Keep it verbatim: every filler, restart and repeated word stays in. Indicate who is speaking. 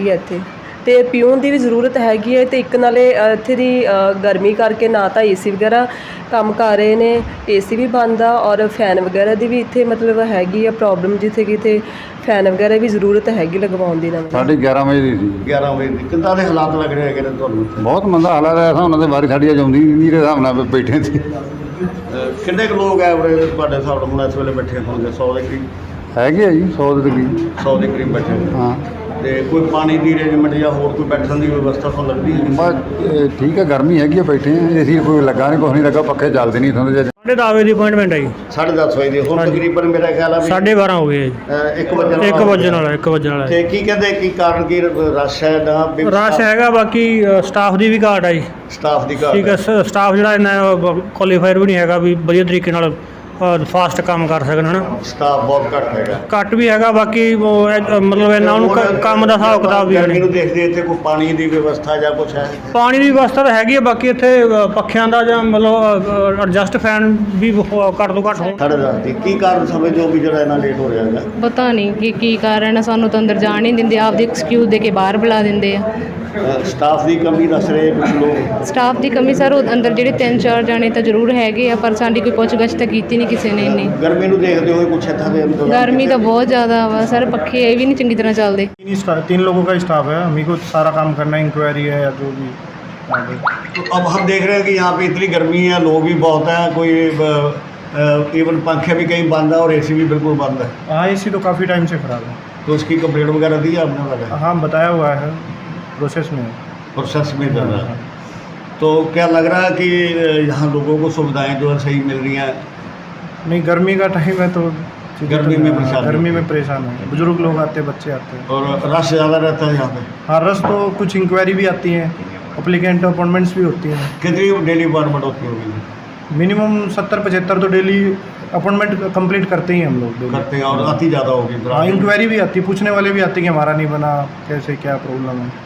Speaker 1: ਹੈਗੀ ਇੱਥੇ ਤੇ ਪੀਉਣ ਦੀ ਵੀ ਜ਼ਰੂਰਤ ਹੈਗੀ ਹੈ ਤੇ ਇੱਕ ਨਾਲੇ ਇੱਥੇ ਦੀ ਗਰਮੀ ਕਰਕੇ ਨਾ ਤਾਂ ਏਸੀ ਵਗੈਰਾ ਕੰਮ ਕਰ ਰਹੇ ਨੇ, ਏਸੀ ਵੀ ਬੰਦ ਆ ਔਰ ਫੈਨ ਵਗੈਰਾ ਦੀ ਵੀ ਇੱਥੇ ਮਤਲਬ ਹੈਗੀ ਆ ਪ੍ਰੋਬਲਮ, ਜਿੱਥੇ ਕਿਤੇ ਫੈਨ ਵਗੈਰਾ ਵੀ ਜ਼ਰੂਰਤ ਹੈਗੀ ਲਗਵਾਉਣ ਦੀ। ਨਵੀਂ
Speaker 2: ਸਾਢੇ ਗਿਆਰਾਂ ਵਜੇ ਦੀ ਸੀ।
Speaker 3: ਗਿਆਰਾਂ ਵਜੇ ਦੀ ਕਿੱਦਾਂ ਦੇ ਹਾਲਾਤ ਲੱਗ ਰਹੇ ਹੈਗੇ ਨੇ ਤੁਹਾਨੂੰ?
Speaker 2: ਬਹੁਤ ਮੰਦਾ ਹਾਲਾਤ ਹੈ, ਉਹਨਾਂ ਦੇ ਵਾਰੀ ਸਾਡੀ ਆਉਂਦੀ ਨਹੀਂ ਦੇ ਹਿਸਾਬ ਨਾਲ ਬੈਠੇ ਸੀ।
Speaker 3: ਕਿੰਨੇ ਕੁ ਲੋਕ ਹੈ ਉਰੇ ਤੁਹਾਡੇ ਹਿਸਾਬ ਨਾਲ ਹੁਣ ਇਸ ਵੇਲੇ ਬੈਠੇ ਹੋਣਗੇ? ਸੌ ਦੇ ਕਰੀਬ
Speaker 2: ਹੈਗੇ ਆ ਜੀ, ਸੌ ਦੇ ਤਕਰੀਬ।
Speaker 3: ਸੌ ਦੇ ਕਰੀਬ ਬੈਠੇ
Speaker 2: ਹਾਂ।
Speaker 3: ਤੇ ਕੋਈ ਪਾਣੀ ਦੀ ਅਰੇਂਜਮੈਂਟ ਜਾਂ ਹੋਰ ਕੋਈ ਬੈਠਣ ਦੀ ਵਿਵਸਥਾ ਤੁਹਾਨੂੰ ਲੱਗਦੀ ਹੈ?
Speaker 2: ਬਸ ਠੀਕ ਹੈ, ਗਰਮੀ ਹੈਗੀ ਆ, ਬੈਠੇ ਆ, ਏਸੀ ਕੋਈ ਲੱਗਾ ਨਹੀਂ, ਕੁਛ ਨਹੀਂ ਲੱਗਾ, ਪੱਖੇ ਚੱਲਦੇ ਨਹੀਂ ਇੱਥੋਂ ਦੇ।
Speaker 4: साढ़े दस बजे की अपॉइंटमेंट है जी।
Speaker 3: साढ़े दस बजे ਹੁਣ ਤਕਰੀਬਨ ਮੇਰਾ ਖਿਆਲ ਆ ਵੀ
Speaker 4: साढ़े बारह हो गए जी।
Speaker 3: ਇੱਕ ਵਜੇ
Speaker 4: एक बजे वाला एक बजे वाला
Speaker 3: ਤੇ ਕੀ ਕਹਿੰਦੇ ਕੀ ਕਾਰਨ ਕੀ ਰਸ਼ ਹੈ ਨਾ?
Speaker 4: रश हैगा, बाकी स्टाफ की भी घाट है जी।
Speaker 3: ਸਟਾਫ ਦੀ
Speaker 4: ठीक
Speaker 3: ਘਾਟ
Speaker 4: है, स्टाफ जो इन्ना क्वालीफायर भी नहीं हैगा भी वधिया तरीके नाल फास्ट काम कर सकन, है ना।
Speaker 3: ਸਟਾਫ ਬਹੁਤ ਘੱਟ ਹੈਗਾ।
Speaker 4: घट भी हैगा, बाकी वो अ- मतलब इन्ना उन्होंने काम का हिसाब किताब भी है
Speaker 3: ਗਰਮੀ
Speaker 4: नहीं।
Speaker 3: ਨੂੰ ਦੇਖਦੇ ਇੱਥੇ ਕੋਈ ਪਾਣੀ ਦੀ ਵਿਵਸਥਾ ਜਾਂ ਕੁਛ ਹੈ?
Speaker 4: पानी की व्यवस्था तो हैगी है, बाकी इत्थे पक्खियां दा जां मतलब एडजस्ट फैन भी घट तो घट हो।
Speaker 3: ਸਾਢੇ ਦਸ ਦੀ ਕੀ ਕਾਰਨ ਸਮਝੋ ਵੀ ਜਿਹੜਾ ਇਹਨਾਂ ਲੇਟ ਹੋ ਰਿਹਾ ਹੈਗਾ?
Speaker 5: ਪਤਾ ਨਹੀਂ ਕਿ ਕੀ ਕਾਰਨ ਹੈ, ਸਾਨੂੰ ਤਾਂ ਅੰਦਰ ਜਾਣ ਨਹੀਂ ਦਿੰਦੇ, ਆਪਦੀ ਐਕਸਕਿਊਜ਼ ਦੇ ਕੇ ਬਾਹਰ ਬੁਲਾ ਦਿੰਦੇ ਆ।
Speaker 3: ਸਟਾਫ ਦੀ ਕਮੀ ਦੱਸ ਰਹੇ ਕੁਝ ਲੋਕ।
Speaker 5: ਸਟਾਫ ਦੀ ਕਮੀ ਸਰ, ਉਹ ਅੰਦਰ ਜਿਹੜੇ ਤਿੰਨ ਚਾਰ ਜਾਣੇ ਤਾਂ ਜ਼ਰੂਰ ਹੈਗੇ ਆ, ਪਰ ਸਾਡੀ ਕੋਈ ਪੁੱਛ-ਗਿੱਛ ਤਾਂ ਕੀਤੀ ਨਹੀਂ ਕਿਸੇ ਨੇ ਇੰਨੀ।
Speaker 3: ਗਰਮੀ ਨੂੰ ਦੇਖਦੇ ਹੋਏ ਕੁਛ ਇੱਥਾਂ ਦੇ ਅੰਦਰ
Speaker 5: ਗਰਮੀ ਤਾਂ ਬਹੁਤ ਜ਼ਿਆਦਾ ਵਾ ਸਰ, पखे ये भी नहीं चंगी तरह चलते।
Speaker 6: तीन स्टा- तीन लोगों का स्टाफ है, हमें को सारा काम करना है, इंक्वायरी है या जो भी आगे।
Speaker 3: तो अब हम देख रहे हैं कि यहाँ पे इतनी गर्मी है, लोग भी बहुत हैं, कोई इवन पंखे भी कहीं बंद है और एसी भी बिल्कुल बंद है।
Speaker 6: हाँ, एसी तो काफ़ी टाइम से ख़राब है।
Speaker 3: तो उसकी कंप्लेंट वगैरह दी है आपने? वाले
Speaker 6: हाँ, बताया हुआ है, प्रोसेस में है।
Speaker 3: प्रोसेस में चल रहा है। तो क्या लग रहा है कि यहाँ लोगों को सुविधाएं जो है सही मिल रही हैं?
Speaker 6: नहीं, गर्मी का टाइम है तो
Speaker 3: गर्मी में परेशान
Speaker 6: गर्मी में परेशान है, बुजुर्ग लोग आते हैं, बच्चे आते हैं
Speaker 3: और रश ज़्यादा रहता है यहाँ पे?
Speaker 6: हाँ, रस तो कुछ इंक्वायरी भी आती हैं, अप्लीकेंट अपॉइंटमेंट्स भी होती हैं।
Speaker 3: कितनी डेली अपॉइंटमेंट होती होगी?
Speaker 6: मिनिमम सत्तर पचहत्तर तो डेली अपॉइंटमेंट कंप्लीट करते ही हम लोग daily।
Speaker 3: करते हैं और आती ज़्यादा होगी?
Speaker 6: हाँ, इंक्वायरी भी आती है, पूछने वाले भी आते हैं कि हमारा नहीं बना, कैसे क्या प्रॉब्लम है।